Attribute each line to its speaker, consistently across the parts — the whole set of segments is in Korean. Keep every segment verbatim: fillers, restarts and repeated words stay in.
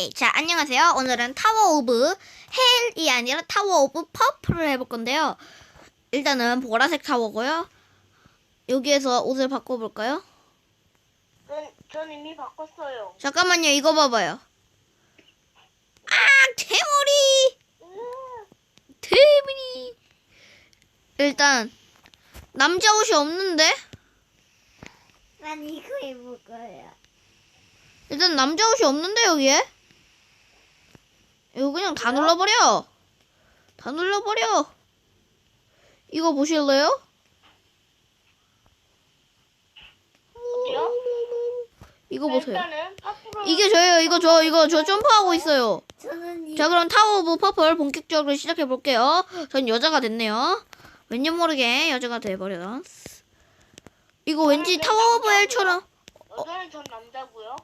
Speaker 1: 오케이. 자, 안녕하세요. 오늘은 타워 오브 헬이 아니라 타워 오브 퍼플을 해볼 건데요. 일단은 보라색 타워고요. 여기에서 옷을 바꿔볼까요?
Speaker 2: 전, 전 이미 바꿨어요.
Speaker 1: 잠깐만요. 이거 봐봐요. 아, 대머리!
Speaker 2: 으아,
Speaker 1: 대머리! 일단 남자 옷이 없는데?
Speaker 3: 난 이거 입을 거야.
Speaker 1: 일단 남자 옷이 없는데 여기에? 이거 그냥 다 눌러버려. 다 눌러버려. 이거 보실래요?
Speaker 2: 어디요?
Speaker 1: 이거 보세요.
Speaker 2: 일단은 앞으로
Speaker 1: 이게 저예요. 이거 저 이거 저 점프하고 있어요.
Speaker 3: 저는 이
Speaker 1: 자, 그럼 타워 오브 퍼플 본격적으로 시작해 볼게요. 전 여자가 됐네요. 왠지 모르게 여자가 돼버려. 이거 왠지 타워 오브 헬처럼.
Speaker 2: 여자는 전 남자고요.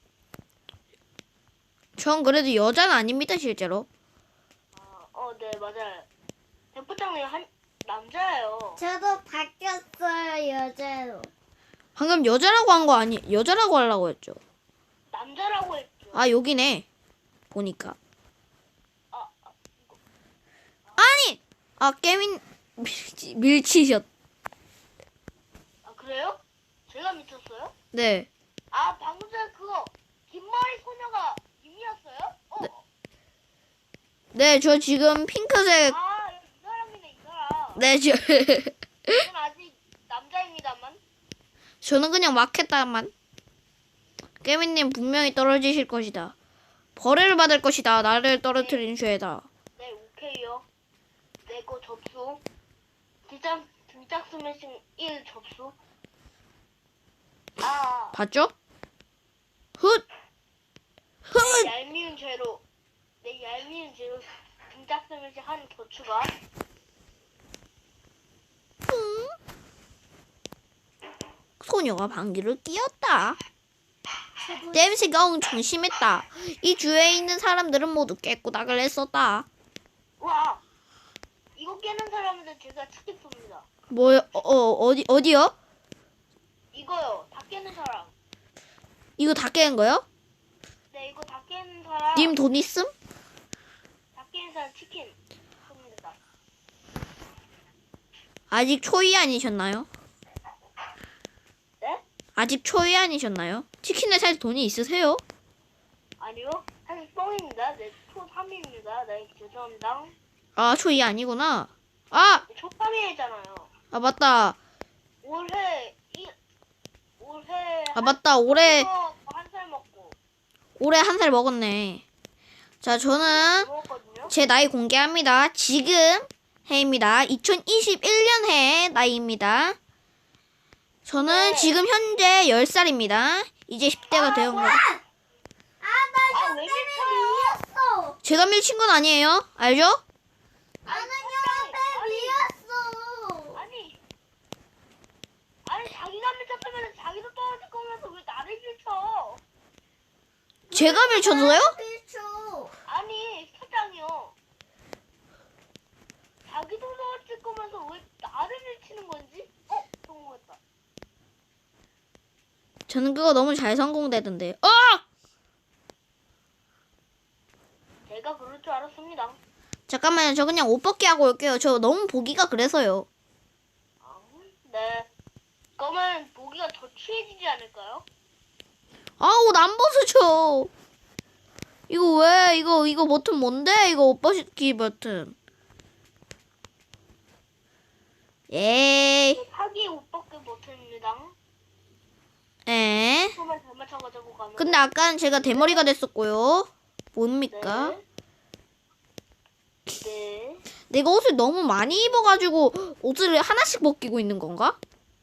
Speaker 1: 전 그래도 여자는 아닙니다, 실제로.
Speaker 2: 아, 어, 네 맞아요. 대포장님 한 남자예요.
Speaker 3: 저도 바뀌었어요 여자로.
Speaker 1: 방금 여자라고 한 거 아니? 여자라고 하려고 했죠.
Speaker 2: 남자라고 했죠.
Speaker 1: 아, 여기네. 보니까.
Speaker 2: 아, 아,
Speaker 1: 아니! 아, 깨민 밀치, 밀치셨.
Speaker 2: 아 그래요? 제가 미쳤어요?
Speaker 1: 네.
Speaker 2: 아 방금 전에 그거 긴머리 소녀가 님이었어요? 어.
Speaker 1: 네, 저 지금 핑크색.
Speaker 2: 아, 이 사람이네 이 사람.
Speaker 1: 네, 저
Speaker 2: 저는 아직 남자입니다만.
Speaker 1: 저는 그냥 막 했다만. 깨민님 분명히 떨어지실 것이다. 벌을 받을 것이다. 나를 떨어뜨린 죄다.
Speaker 2: 네, 오케이요. 네, 거 접수. 등짝, 등짝 스매싱 일 접수. 아,
Speaker 1: 봤죠? 훗! 훗!
Speaker 2: 네, 얄미운 죄로. 네, 얄미운 죄로 등짝 스매싱 한 더 추가.
Speaker 1: 소녀가 방귀를 뀌었다. 냄새가 엄청 심했다. 이 주위에 있는 사람들은 모두 깨꼬닥을 했었다.
Speaker 2: 와, 이거 깨는 사람한테 제가 치킨 쏩니다.
Speaker 1: 뭐요? 어, 어, 어디, 어디요?
Speaker 2: 이거요, 다 깨는 사람.
Speaker 1: 이거 다 깨는 거요?
Speaker 2: 네, 이거 다 깨는 사람.
Speaker 1: 님 돈 있음?
Speaker 2: 다 깨는 사람 치킨 쏩니다.
Speaker 1: 아직 초이 아니셨나요?
Speaker 2: 네?
Speaker 1: 아직 초이 아니셨나요? 치킨을 살 돈이 있으세요?
Speaker 2: 아니요, 사실 뻥입니다. 네, 초 삼 입니다. 네, 죄송합니다.
Speaker 1: 아, 초이 아니구나. 아!
Speaker 2: 초 삼 일이잖아요.
Speaker 1: 아, 맞다.
Speaker 2: 올해 이 올해
Speaker 1: 아, 맞다. 올해,
Speaker 2: 한 살 먹고
Speaker 1: 올해 한 살 먹었네. 자, 저는
Speaker 2: 먹었거든요.
Speaker 1: 제 나이 공개합니다. 지금 해입니다. 이천이십일 년 해 나이입니다. 저는
Speaker 2: 네.
Speaker 1: 지금 현재 열 살입니다. 이제 십 대가 되온 거예요.
Speaker 3: 아나
Speaker 2: 아, 왜 미쳐요?
Speaker 3: 미쳤어.
Speaker 1: 제가 밀친 건 아니에요. 알죠?
Speaker 3: 나는
Speaker 2: 아니,
Speaker 3: 형한테 미웠어.
Speaker 2: 아니 아니 자기가 미쳤으면 자기도 떨어질 거면서 왜 나를 밀쳐?
Speaker 1: 제가 밀쳐도요?
Speaker 3: 미쳐.
Speaker 2: 아니 사장이요. 자기도 떨어질 거면서 왜 나를 밀치는 건지? 어 성공했다.
Speaker 1: 저는 그거 너무 잘 성공되던데. 어!
Speaker 2: 제가 그럴 줄 알았습니다.
Speaker 1: 잠깐만요. 저 그냥 옷 벗기 하고 올게요. 저 너무 보기가 그래서요.
Speaker 2: 아, 네. 그러면 보기가 더 취해지지 않을까요?
Speaker 1: 아, 옷 안 벗으죠. 이거 왜? 이거 이거 버튼 뭔데? 이거 옷 벗기 버튼. 에이.
Speaker 2: 사기 옷 벗기 버튼입니다.
Speaker 1: 에.
Speaker 2: 손을 잘 맞춰가지고 가면.
Speaker 1: 근데 아까는 제가 대머리가 됐었고요. 뭡니까?
Speaker 2: 네. 네.
Speaker 1: 내가 옷을 너무 많이 입어가지고 옷을 하나씩 벗기고 있는 건가?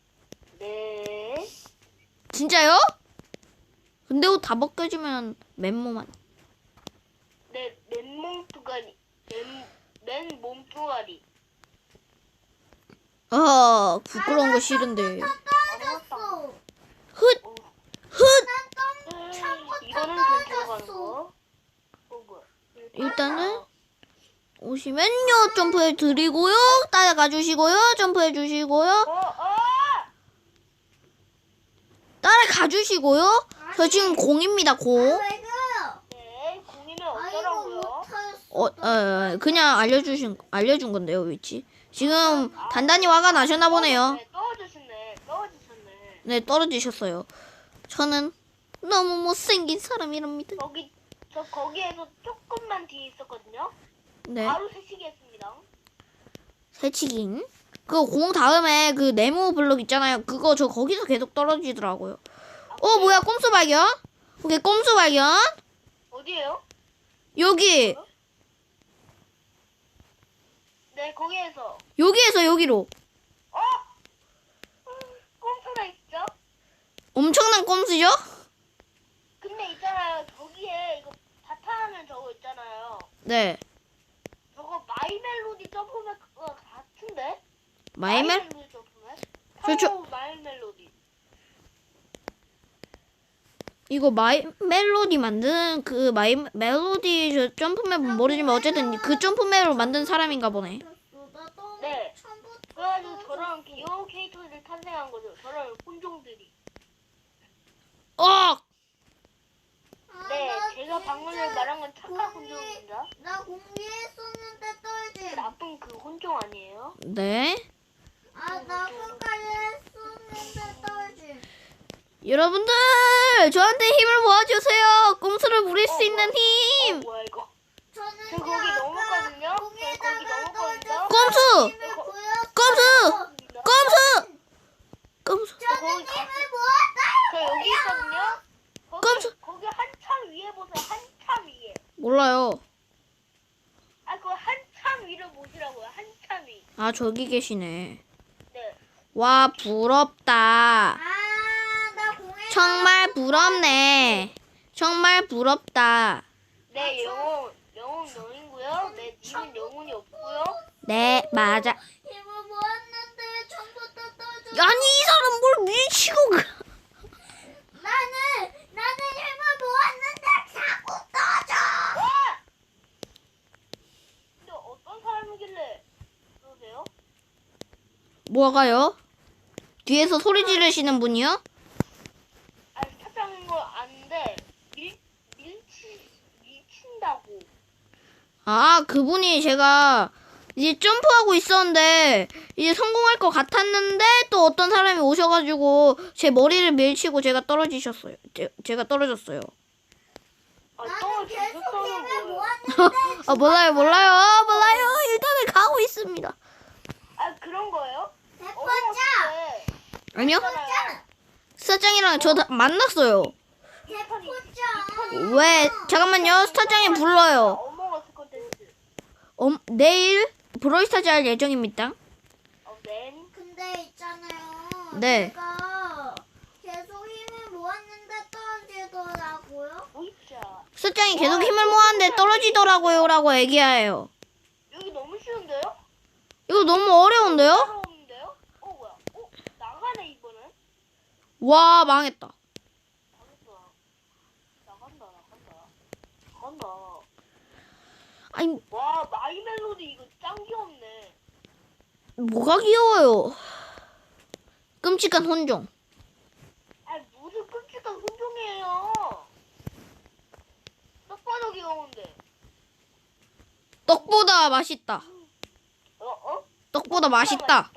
Speaker 2: 네.
Speaker 1: 진짜요? 근데 옷 다 벗겨지면 맨몸 안.
Speaker 2: 네. 맨몸 뚜가리. 맨, 맨 몸뚱아리.
Speaker 1: 아, 부끄러운 거 싫은데.
Speaker 3: 떨어졌어.
Speaker 1: 훗! 훗!
Speaker 2: 이거는 괜찮아 가는 거. 어, 뭐야.
Speaker 1: 일단은 오시면요. 점프해 드리고요. 따라가 주시고요. 점프해 주시고요.
Speaker 2: 어, 어!
Speaker 1: 따라가 주시고요. 저 지금 공입니다, 공.
Speaker 3: 왜 그래요?
Speaker 2: 네.
Speaker 1: 어, 어, 그냥 알려주신 알려준 건데요, 위치. 지금 단단히 화가 나셨나 보네요.
Speaker 2: 네, 떨어지셨네. 떨어지셨네.
Speaker 1: 네, 떨어지셨어요. 저는 너무 못생긴 사람이랍니다.
Speaker 2: 거기 저 거기에서 조금만 뒤에 있었거든요.
Speaker 1: 네,
Speaker 2: 바로 새치기했습니다.
Speaker 1: 새치긴. 그 공 다음에 그 네모 블록 있잖아요. 그거 저 거기서 계속 떨어지더라고요. 어, 뭐야, 꼼수 발견? 오케이, 꼼수 발견.
Speaker 2: 어디에요?
Speaker 1: 여기,
Speaker 2: 네, 거기에서.
Speaker 1: 여기에서 여기로.
Speaker 2: 어? 꼼수가 있죠?
Speaker 1: 엄청난 꼼수죠?
Speaker 2: 근데 있잖아요. 저기에 이거 바탕화면 저거 있잖아요.
Speaker 1: 네,
Speaker 2: 저거 마이 멜로디 점프맨 그거 같은데?
Speaker 1: 마이멜?
Speaker 2: 멜로디 점프맨?
Speaker 1: 저, 저,
Speaker 2: 타워 마이 멜로디.
Speaker 1: 이거 마이 멜로디 만든 그 마이 멜로디 저 점프맵은 모르지만 어쨌든 그 점프맵으로 만든 사람인가 보네.
Speaker 3: 나 너무
Speaker 2: 네.
Speaker 3: 처음부터
Speaker 2: 그래가지고 저런 귀여운 캐릭터들이 탄생한 거죠. 저런 혼종들이.
Speaker 1: 어!
Speaker 3: 아,
Speaker 2: 네,
Speaker 3: 나
Speaker 2: 제가 방금 전에
Speaker 3: 진짜
Speaker 2: 말한 건 착한
Speaker 3: 공이-
Speaker 2: 혼종입니다.
Speaker 3: 나 공개했었는데 떨지.
Speaker 2: 나쁜 그 혼종 아니에요?
Speaker 1: 네.
Speaker 3: 아, 나 끝까지 했었는데 떨지.
Speaker 1: 여러분들 저한테 힘을 모아주세요. 꼼수를 부릴 수
Speaker 2: 어,
Speaker 1: 있는
Speaker 2: 어,
Speaker 1: 힘.
Speaker 2: 뭐야 이거?
Speaker 3: 저는
Speaker 2: 저 거기 넘었거든요? 저 거기 넘었거든요?
Speaker 1: 꼼수!
Speaker 3: 힘을
Speaker 2: 거-
Speaker 3: 보였어요.
Speaker 1: 꼼수! 꼼수! 꼼수!
Speaker 2: 저 거기
Speaker 3: 저는
Speaker 2: 가,
Speaker 3: 힘을 모았어요.
Speaker 2: 저 여기 있거든요? 거기,
Speaker 1: 꼼수!
Speaker 2: 거기 한참 위에 보세요. 한참 위에.
Speaker 1: 몰라요.
Speaker 2: 아, 그거 한참 위를 보시라고요. 한참 위.
Speaker 1: 아, 저기 계시네.
Speaker 2: 네.
Speaker 1: 와, 부럽다.
Speaker 3: 아, 나 공개.
Speaker 1: 정말 부럽네. 정말 부럽다.
Speaker 2: 내 영혼, 영혼 영이고요. 내 님은 영혼이 없고요.
Speaker 1: 네, 맞아.
Speaker 3: 힘을 모았는데 전부 다 떨어져.
Speaker 1: 아니, 이 사람 뭘 밀치고 가.
Speaker 3: 나는 나는 힘을 모았는데 자꾸 떨어져.
Speaker 2: 와! 근데 어떤 사람이길래 그러세요?
Speaker 1: 뭐가요? 뒤에서 소리 지르시는 분이요?
Speaker 2: 아, 사장인 걸 아는데 밀 밀치 밀친다고.
Speaker 1: 아, 그분이 제가 이제 점프하고 있었는데 이제 성공할 것 같았는데 또 어떤 사람이 오셔가지고 제 머리를 밀치고 제가 떨어지셨어요. 제, 제가 떨어졌어요.
Speaker 2: 아,
Speaker 3: 나는
Speaker 2: 또
Speaker 3: 계속
Speaker 2: 죽었어는
Speaker 3: 힘을
Speaker 2: 뭐예요?
Speaker 3: 모았는데.
Speaker 1: 아, 몰라요, 몰라요, 아, 몰라요. 일단은 가고 있습니다.
Speaker 2: 아, 그런 거예요?
Speaker 3: 대포자.
Speaker 1: 아니요?
Speaker 2: 있잖아요.
Speaker 1: 스타짱이랑 저 다 만났어요.
Speaker 3: 대포자.
Speaker 1: 왜? 잠깐만요. 스타짱이 불러요.
Speaker 2: 어몽어스 콘텐츠.
Speaker 1: 어, 내일 브로이스타즈 할 예정입니다.
Speaker 2: 어, 맨.
Speaker 3: 근데 있잖아요.
Speaker 1: 네.
Speaker 3: 제가 계속 힘을 모았는데 떨어지더라고요.
Speaker 2: 보이자.
Speaker 1: 스타짱이 계속 힘을 모았는데 떨어지더라고요. 라고 얘기해요.
Speaker 2: 여기 너무 쉬운데요?
Speaker 1: 이거 너무 어려운데요?
Speaker 2: 따로 없는데요? 어, 뭐야? 어, 나가네, 이번엔.
Speaker 1: 와, 망했다.
Speaker 2: 나간다. 나간다, 나간다. 나간다.
Speaker 1: 아니,
Speaker 2: 와, 마이 멜로디 이거 짱 귀엽네.
Speaker 1: 뭐가 귀여워요? 끔찍한 혼종.
Speaker 2: 아, 무슨 끔찍한 혼종이에요. 딱 봐도 귀여운데.
Speaker 1: 떡보다 맛있다.
Speaker 2: 어, 어?
Speaker 1: 떡보다 맛있다.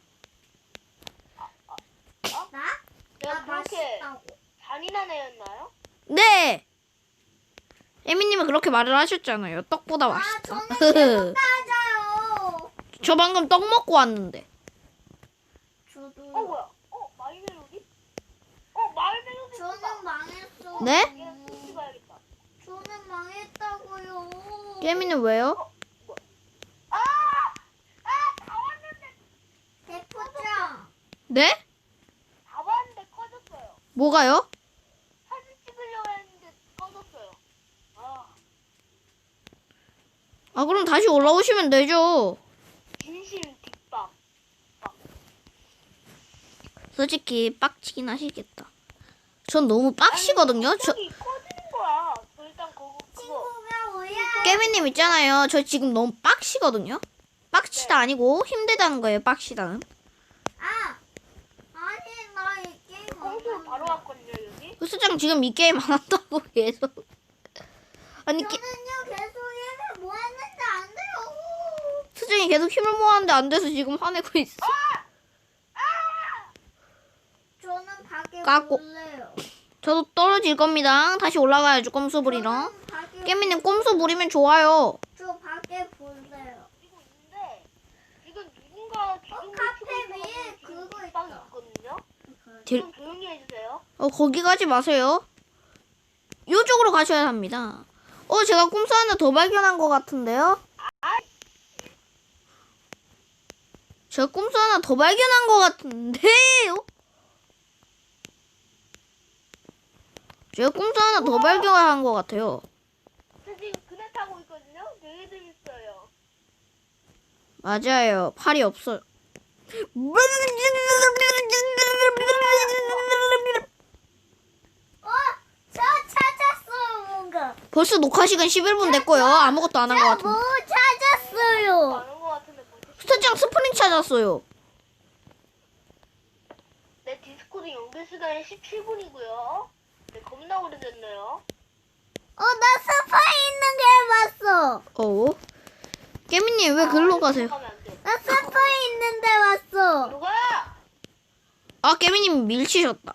Speaker 3: 나?
Speaker 2: 내가
Speaker 3: 나
Speaker 2: 그렇게
Speaker 3: 맛있다고.
Speaker 2: 잔인한 애였나요?
Speaker 1: 네. 에미님은 그렇게 말을 하셨잖아요. 떡보다
Speaker 3: 아,
Speaker 1: 맛있다.
Speaker 3: 저는 계속 따져요.
Speaker 1: 저 방금 떡 먹고 왔는데.
Speaker 3: 저도.
Speaker 2: 어, 뭐야? 어, 마이 멜로디? 어, 마이 멜로디.
Speaker 3: 저는 망했어.
Speaker 1: 네?
Speaker 2: 얘 숨지 가야겠다.
Speaker 3: 저는 망했다고요.
Speaker 1: 에미는 왜요?
Speaker 2: 아! 아, 다 왔는데,
Speaker 3: 대포장.
Speaker 1: 네?
Speaker 2: 다 왔는데 꺼졌어요.
Speaker 1: 뭐가요?
Speaker 2: 사진 찍으려고 했는데 꺼졌어요. 아,
Speaker 1: 아, 그럼 다시 올라오시면 되죠.
Speaker 2: 진심 뒷박.
Speaker 1: 솔직히 빡치긴 하시겠다. 전 너무 빡시거든요. 저
Speaker 2: 갑자기 꺼지는 거야. 저 일단 그거, 그거.
Speaker 3: 친구가 뭐야?
Speaker 1: 깨미님 있잖아요. 저 지금 너무 빡시거든요. 빡치다 아니고 힘들다는 거예요. 빡시다는.
Speaker 3: 아, 아니 나 이 게임
Speaker 2: 꽁술 바로 왔거든요, 여기.
Speaker 1: 수장 지금 이 게임 안 한다고 계속. 아니 게,
Speaker 3: 저는요 계속 힘을 모았는데
Speaker 1: 스타짱이 계속 힘을 모았는데 안 돼서 지금 화내고 있어.
Speaker 3: 저는 밖에
Speaker 1: 깎고.
Speaker 3: 볼래요.
Speaker 1: 저도 떨어질 겁니다. 다시 올라가야죠. 꼼수 부리러.
Speaker 3: 저는 밖에
Speaker 1: 깨미님 꼼수 부리면 좋아요.
Speaker 3: 저 밖에 볼래요.
Speaker 2: 그리고 있는데 지금 누군가 지금
Speaker 3: 카페 위에 그거
Speaker 2: 빵
Speaker 3: 있다.
Speaker 2: 있거든요.
Speaker 1: 딜-
Speaker 2: 좀 조용히 해주세요.
Speaker 1: 어, 거기 가지 마세요. 이쪽으로 가셔야 합니다. 어, 제가 꼼수 하나 더 발견한 것 같은데요? 제가 꼼수 하나 더 발견한 것 같은데요? 제가 꼼수 하나 더 발견한 것 같아요.
Speaker 2: 저 지금 그네 타고 있거든요. 되게 재밌어요.
Speaker 1: 맞아요. 팔이 없어요.
Speaker 3: 어, 저 찾았어요 뭔가.
Speaker 1: 벌써 녹화 시간 십일 분 됐고요. 아무것도 안 한 것
Speaker 3: 저
Speaker 1: 같은데.
Speaker 3: 뭐 찾았어요.
Speaker 2: 많은 것 같은데 벌써
Speaker 1: 스타짱 스프링 찾았어요.
Speaker 2: 내 디스코드 연결 시간이 십칠 분이고요. 네, 겁나 오래됐네요.
Speaker 3: 어, 나 스파 있는 게 봤어.
Speaker 1: 어? 깨미님 왜 글로 가세요?
Speaker 2: 가면 안 돼.
Speaker 3: 나 스파 있는데 봤어.
Speaker 2: 누가?
Speaker 1: 아, 깨미님 밀치셨다.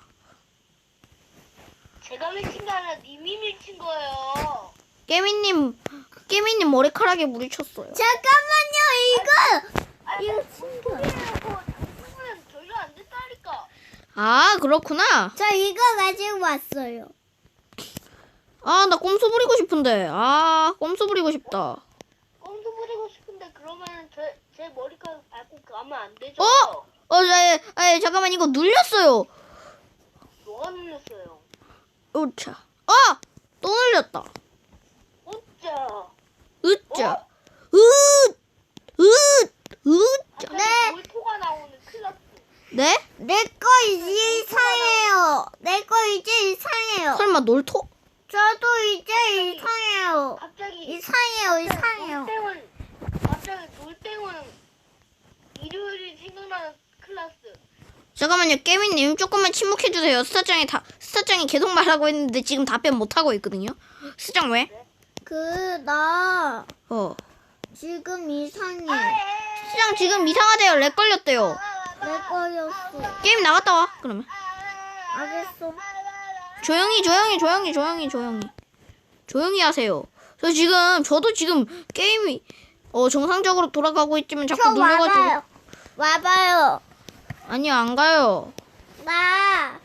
Speaker 2: 제가 밀친 게 아니라 님이 밀친 거예요.
Speaker 1: 깨미님, 깨미님 머리카락에 물이 쳤어요.
Speaker 3: 잠깐만요, 이거.
Speaker 2: 아,
Speaker 3: 이거
Speaker 2: 이거
Speaker 3: 친구.
Speaker 2: 친구예요. 장난은 전혀 안 됐다니까.
Speaker 1: 아, 그렇구나.
Speaker 3: 저 이거 가지고 왔어요.
Speaker 1: 아, 나 꼼수 부리고 싶은데. 아, 꼼수 부리고 싶다.
Speaker 2: 꼼수 부리고 싶은데 그러면 제, 제 머리카락 밟고 가면 안 되죠?
Speaker 1: 어? 어, 자, 아, 잠깐만, 이거 눌렸어요.
Speaker 2: 뭐가 눌렸어요?
Speaker 1: 으차. 아! 또 눌렸다.
Speaker 2: 어짜.
Speaker 1: 으짜. 으! 으! 으짜.
Speaker 2: 갑자기 몰토가 나오는 클라스.
Speaker 1: 네?
Speaker 3: 내 거 이제 이상해요. 내 거 이제 이상해요.
Speaker 1: 설마 놀토?
Speaker 3: 저도 이제 이상해요.
Speaker 2: 갑자기
Speaker 3: 이상해요, 이상해요.
Speaker 2: 놀땡은 갑자기 놀땡은 일요일이 생각나는 클라스.
Speaker 1: 잠깐만요, 깨미님 조금만 침묵해주세요. 스타짱이 다, 스타짱이 계속 말하고 있는데 지금 답변 못하고 있거든요. 스타짱 왜?
Speaker 3: 그, 나,
Speaker 1: 어.
Speaker 3: 지금 이상해.
Speaker 1: 스타짱 지금 이상하대요. 렉 걸렸대요.
Speaker 3: 내 거였어.
Speaker 1: 게임 나갔다 와, 그러면.
Speaker 3: 알겠어.
Speaker 1: 조용히, 조용히, 조용히, 조용히, 조용히. 조용히 하세요. 저 지금, 저도 지금 게임이, 어, 정상적으로 돌아가고 있지만 자꾸
Speaker 3: 저
Speaker 1: 눌려가지고.
Speaker 3: 와봐요. 와봐요.
Speaker 1: 아니요, 안 가요.
Speaker 3: 나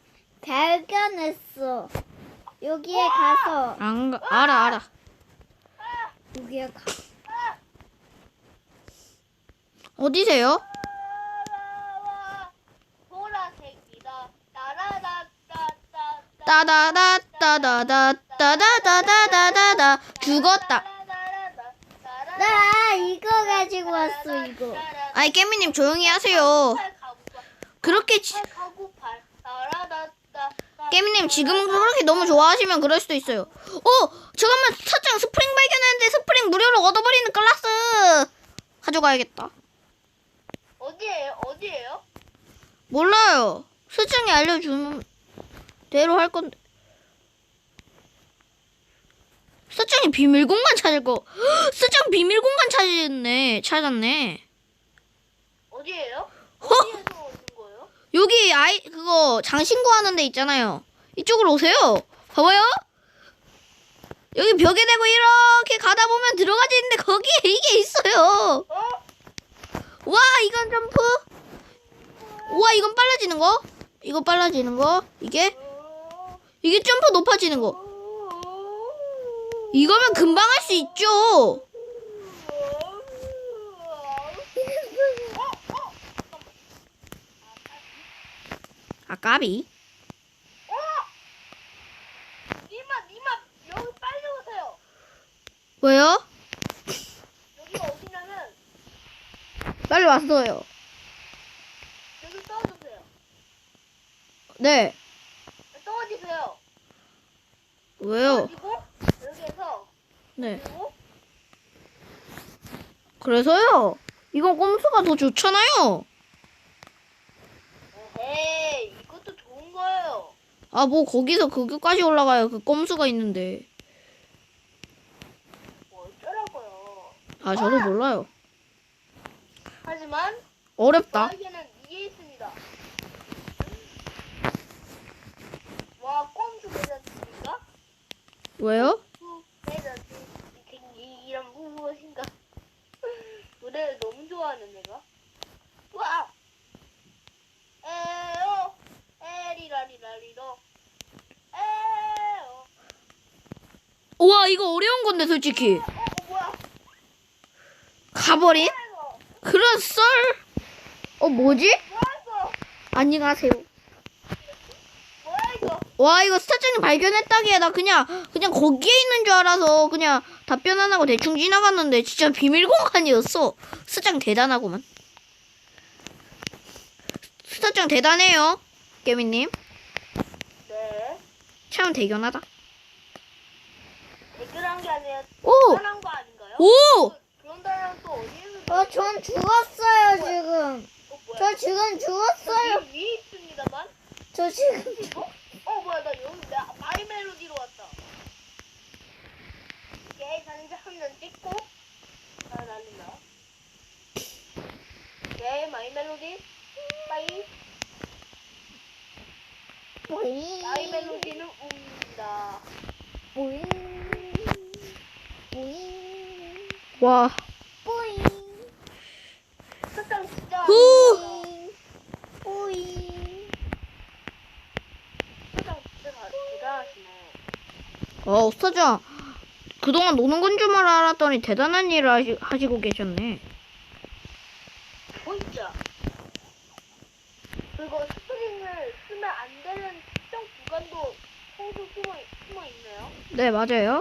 Speaker 3: 발견했어. 여기에 가서
Speaker 1: 안 가, 알아, 알아.
Speaker 3: 여기에 가.
Speaker 1: 어디세요?
Speaker 2: 보라색이다. 따라다따따따.
Speaker 1: 따다다, 따다다, 따다다다다다다. 죽었다.
Speaker 3: 나 이거 가지고 왔어, 이거.
Speaker 1: 아이, 깨미님 조용히 하세요. 그렇게, 지, 깨미님 지금 그렇게 너무 좋아하시면 그럴 수도 있어요. 어, 잠깐만, 사장 스프링 발견했는데 스프링 무료로 얻어버리는 클라스. 가져가야겠다.
Speaker 2: 어디에요? 어디에요?
Speaker 1: 몰라요. 수장이 알려주는 대로 할 건데. 수장이 비밀 공간 찾을 거. 수장 비밀 공간 찾았네. 찾았네.
Speaker 2: 어디에요?
Speaker 1: 허!
Speaker 2: 어디에서 얻은 거예요?
Speaker 1: 여기 아이 그거 장신구 하는 데 있잖아요. 이쪽으로 오세요. 봐봐요. 여기 벽에 대고 이렇게 가다 보면 들어가지는데 거기에 이게 있어요.
Speaker 2: 어?
Speaker 1: 와, 이건 점프. 와, 이건 빨라지는 거. 이거 빨라지는 거. 이게 이게 점프 높아지는 거. 이거면 금방 할 수 있죠. 아, 까비.
Speaker 2: 니마 니마 여기 빨리 오세요.
Speaker 1: 왜요?
Speaker 2: 여기가 어디냐면
Speaker 1: 빨리 왔어요.
Speaker 2: 여기 떨어주세요.
Speaker 1: 네.
Speaker 2: 떨어지세요.
Speaker 1: 왜요?
Speaker 2: 떨어지고 여기에서
Speaker 1: 네.
Speaker 2: 그리고
Speaker 1: 그래서요. 이건 꼼수가 더 좋잖아요.
Speaker 2: 에이 이것도 좋은 거예요.
Speaker 1: 아, 뭐 거기서 그거까지 올라가요. 그 꼼수가
Speaker 2: 뭐 어쩌라고요.
Speaker 1: 아, 저도 몰라요.
Speaker 2: 하지만
Speaker 1: 어렵다.
Speaker 2: 저에게는 이게 있습니다. 와, 꼼수 대자입니까?
Speaker 1: 왜요?
Speaker 2: 후, 대자지. 이 이런 무엇인가? 노래를 너무 좋아하는 내가. 와! 에어 에리라리라리로 에어.
Speaker 1: 우와, 이거 어려운 건데, 솔직히.
Speaker 2: 어, 어 뭐야?
Speaker 1: 가버린?
Speaker 2: 뭐야 이거?
Speaker 1: 그런 썰. 어, 뭐지?
Speaker 2: 뭐야 이거?
Speaker 1: 안녕하세요.
Speaker 2: 뭐야 이거?
Speaker 1: 와, 이거 스타장님 발견했다기에 나 그냥, 그냥 거기에 있는 줄 알아서 그냥 답변 안 하고 대충 지나갔는데 진짜 비밀 공간이었어. 스타장 대단하구만. 스타장 대단해요. 깨미님.
Speaker 2: 네.
Speaker 1: 참 대견하다.
Speaker 2: 대결한 게 아니라
Speaker 1: 오!
Speaker 2: 대단한 거 아닌가요?
Speaker 1: 오!
Speaker 2: 그런 다음에 또 어디에서?
Speaker 3: 어, 전 죽었어요, 지금.
Speaker 2: 어 뭐야?
Speaker 3: 저 지금 죽었어요.
Speaker 2: 저 위에, 위에 있습니다만.
Speaker 3: 저 지금.
Speaker 2: 어? 어 뭐야 나 여기 나 마이 멜로디로 왔다. 오케이 단자 한 장 찍고 아 난리나. 오케이 마이 멜로디 빠이.
Speaker 3: 보잉.
Speaker 2: 마이 멜로디는 웁니다.
Speaker 3: 보잉. 보잉.
Speaker 1: 와.
Speaker 3: 보잉.
Speaker 2: 스타장 진짜
Speaker 1: 후!
Speaker 3: 보잉. 보잉.
Speaker 2: 스타장 진짜 다- 대단하시네.
Speaker 1: 어, 스타장. 그동안 노는 건 줄 알았더니 대단한 일을 하시, 하시고 계셨네.
Speaker 2: 보이죠? 그리고 스프링을 쓰면 안 되는 특정 구간도 평소 숨어, 숨어 있네요.
Speaker 1: 네, 맞아요.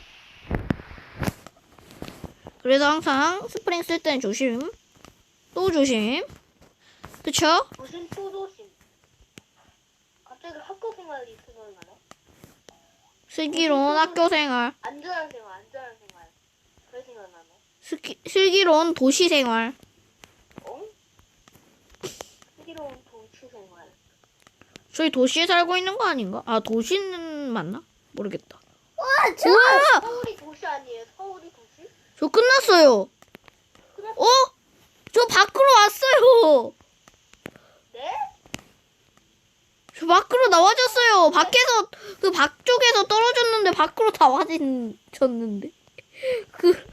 Speaker 1: 그래서 항상 스프링 쓸 때는 조심. 또 조심. 그쵸?
Speaker 2: 무슨 또 조심. 갑자기 학교 생활이 생각나네.
Speaker 1: 슬기로운 학교 생활.
Speaker 2: 안전한 생활, 안전한 생활. 그래 생각나네.
Speaker 1: 슬기, 슬기로운 도시 생활.
Speaker 2: 어? 슬기로운 도시 생활.
Speaker 1: 저희 도시에 살고 있는 거 아닌가? 아, 도시는 맞나? 모르겠다.
Speaker 3: 와, 저.
Speaker 1: 우와!
Speaker 2: 서울이 도시 아니에요? 서울이 도시?
Speaker 1: 저 끝났어요.
Speaker 2: 끝났...
Speaker 1: 어? 저 밖으로 왔어요.
Speaker 2: 네?
Speaker 1: 저 밖으로 나와졌어요. 밖에서, 그 밖쪽에서 떨어졌는데 밖으로 나와졌는데. 그,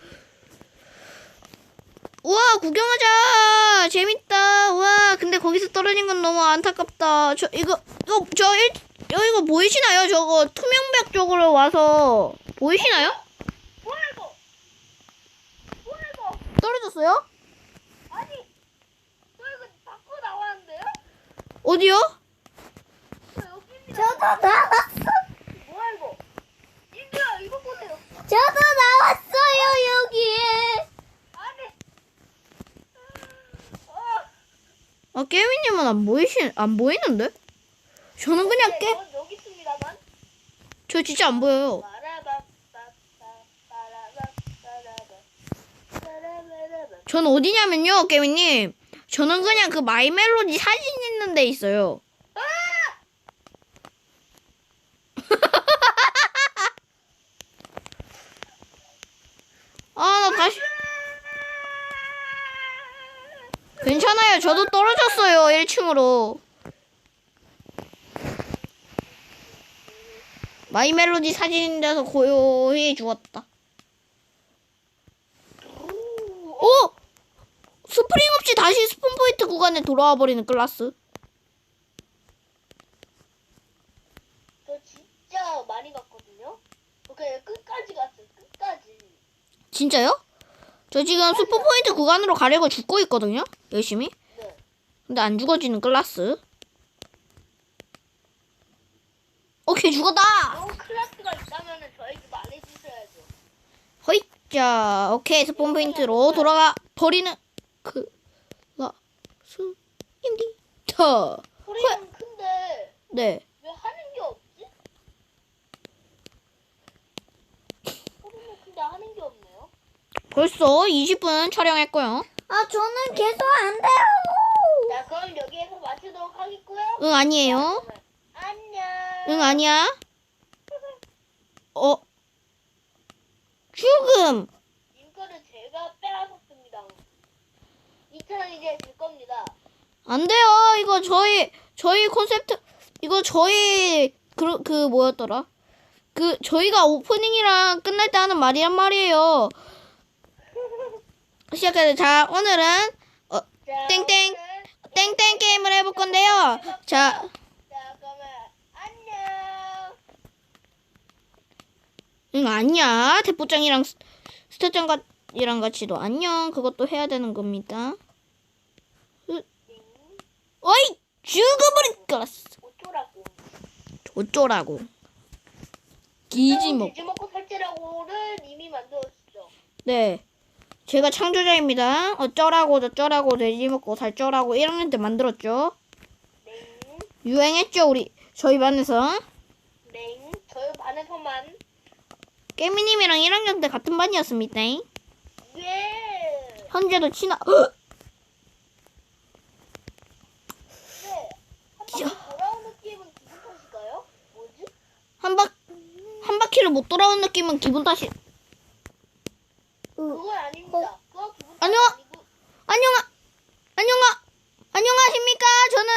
Speaker 1: 우와, 구경하자. 재밌다. 우와, 근데 거기서 떨어진 건 너무 안타깝다. 저, 이거, 이거, 저, 일, 여, 이거 보이시나요? 저거 투명벽 쪽으로 와서, 보이시나요?
Speaker 2: 뭐야 이거? 뭐야 이거?
Speaker 1: 떨어졌어요?
Speaker 2: 아니, 저 이거 밖으로 나왔는데요?
Speaker 1: 어디요?
Speaker 2: 저 여기입니다.
Speaker 3: 저도 나왔어.
Speaker 2: 뭐야 이거? 인주야 이거 보세요.
Speaker 3: 저도 나왔어요, 여기에.
Speaker 2: 아니. 어.
Speaker 1: 아, 깨미님은 안 보이시, 안 보이는데? 저는 그냥
Speaker 2: 네,
Speaker 1: 깨,
Speaker 2: 전 여기 있습니다만.
Speaker 1: 저 진짜 안 보여요. 전 어디냐면요, 깨미님. 저는 그냥 그 마이 멜로디 사진 있는 데 있어요. 아, 나 다시. 괜찮아요. 저도 떨어졌어요. 일 층으로. 마이 멜로디 사진 데서 고요히 죽었다. 오! 스프링 없이 다시 스폰 포인트 구간에 돌아와 버리는 클라스.
Speaker 2: 저 진짜 많이 갔거든요. 오케이 끝까지 갔어요. 끝까지.
Speaker 1: 진짜요? 저 지금 스폰 포인트 구간으로 가려고 죽고 있거든요. 열심히.
Speaker 2: 네.
Speaker 1: 근데 안 죽어지는 클라스. 오케이, 죽었다.
Speaker 2: 너무 클래스가 있다면은 저에게 말해주셔야죠.
Speaker 1: 허이. 자, 오케이. 스폰 포인트로 돌아가 버리는 클라스입니다.
Speaker 2: 소리는 큰데
Speaker 1: 네.
Speaker 2: 왜 하는 게 없지? 소리는 큰데 하는 게 없네요.
Speaker 1: 벌써 이십 분 촬영했고요.
Speaker 3: 아, 저는 계속 안 돼요.
Speaker 2: 자 그럼 여기에서 마치도록 하겠고요.
Speaker 1: 응, 아니에요.
Speaker 2: 안녕.
Speaker 1: 응, 아니야. 어? 죽음.
Speaker 2: 이거를 제가 빼앗았습니다. 이 저는 이제 줄 겁니다.
Speaker 1: 안 돼요. 이거 저희 저희 콘셉트 이거 저희 그, 그 뭐였더라? 그 저희가 오프닝이랑 끝날 때 하는 말이란 말이에요. 시작해서 자 오늘은 어,
Speaker 2: 자,
Speaker 1: 땡땡
Speaker 2: 오늘은
Speaker 1: 땡땡 게임을 해볼 건데요. 자
Speaker 2: 자, 그러면 안녕.
Speaker 1: 응 아니야 대포장이랑 스- 스타장이랑 같이도 안녕 그것도 해야 되는 겁니다. 으, 어이 죽어버릴 거랐어.
Speaker 2: 어쩌라고.
Speaker 1: 어쩌라고. 기지먹.
Speaker 2: 돼지 먹고 살찌라고를 이미 만들었죠.
Speaker 1: 네. 제가 창조자입니다. 어쩌라고 저쩌라고 돼지 먹고 살쩌라고 일 학년 때 만들었죠.
Speaker 2: 네.
Speaker 1: 유행했죠 우리 저희 반에서.
Speaker 2: 네. 저희 반에서만.
Speaker 1: 깨미님이랑 일 학년 때 같은 반이었습니다.
Speaker 2: 예.
Speaker 1: 현재도 친하.
Speaker 2: 네. 한 바퀴 돌아온 느낌은 기분 탓일까요? 뭐지?
Speaker 1: 한 바, 한 바퀴를 못 돌아온 느낌은 기분 탓이.
Speaker 2: 그건 아닙니다. 그거 기분 탓
Speaker 1: 안녕.
Speaker 2: 아니고.
Speaker 1: 안녕하, 안녕하, 안녕하십니까? 저는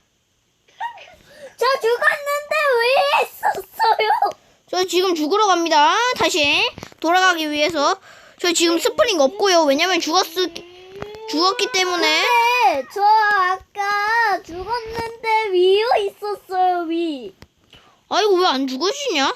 Speaker 3: 저 죽었는데 왜 했었어요?
Speaker 1: 저 지금 죽으러 갑니다. 다시 돌아가기 위해서. 저 지금 스프링 없고요. 왜냐면 죽었, 죽었기 때문에.
Speaker 3: 네, 저 아까 죽었는데 위에 있었어요, 위.
Speaker 1: 아이고 왜 안 죽으시냐?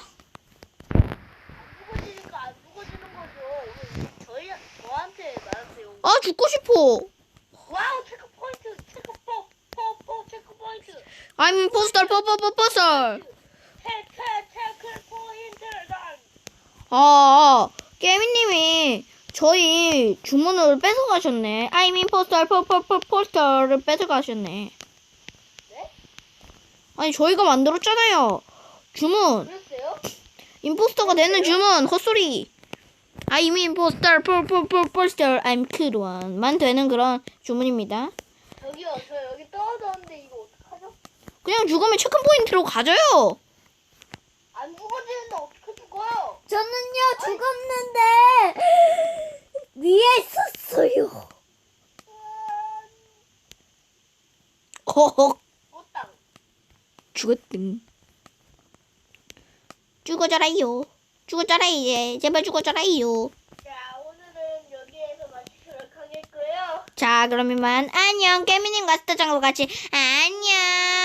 Speaker 2: 죽어지니까 안 죽어지는 거죠. 오늘 저희 저한테 말하세요.
Speaker 1: 아 죽고 싶어.
Speaker 2: 와우 체크 포인트 체크 포포포 체크 포인트
Speaker 1: I'm imposter, 퍼퍼퍼퍼설.
Speaker 2: 체크 체크 포인트 난.
Speaker 1: 아, 깨미님이 저희 주문을 뺏어가셨네. I'm imposter, 퍼퍼퍼퍼설을 뺏어가셨네.
Speaker 2: 네?
Speaker 1: 아니 저희가 만들었잖아요. 주문.
Speaker 2: 그랬어요?
Speaker 1: 임포스터가 되는 주문. 헛소리. I'm imposter, 퍼퍼퍼퍼설. I'm cool one만 되는 그런 주문입니다.
Speaker 2: 저기요 저 여기 떨어졌는데 이거 어떡하죠?
Speaker 1: 그냥 죽으면 체크 포인트로 가져요.
Speaker 2: 안 죽어지는데 어떻게 죽어요?
Speaker 3: 저는요, 죽었는데 위에 있었어요.
Speaker 1: 허헉.
Speaker 2: 꽃땅.
Speaker 1: 죽었등. 죽어져라요. 죽어져라 이제. 제발 죽어져라요.
Speaker 2: 자 오늘은 여기에서 마치도록 하겠고요.
Speaker 1: 자 그러면 안녕. 깨미님과 스타장과 같이 안녕.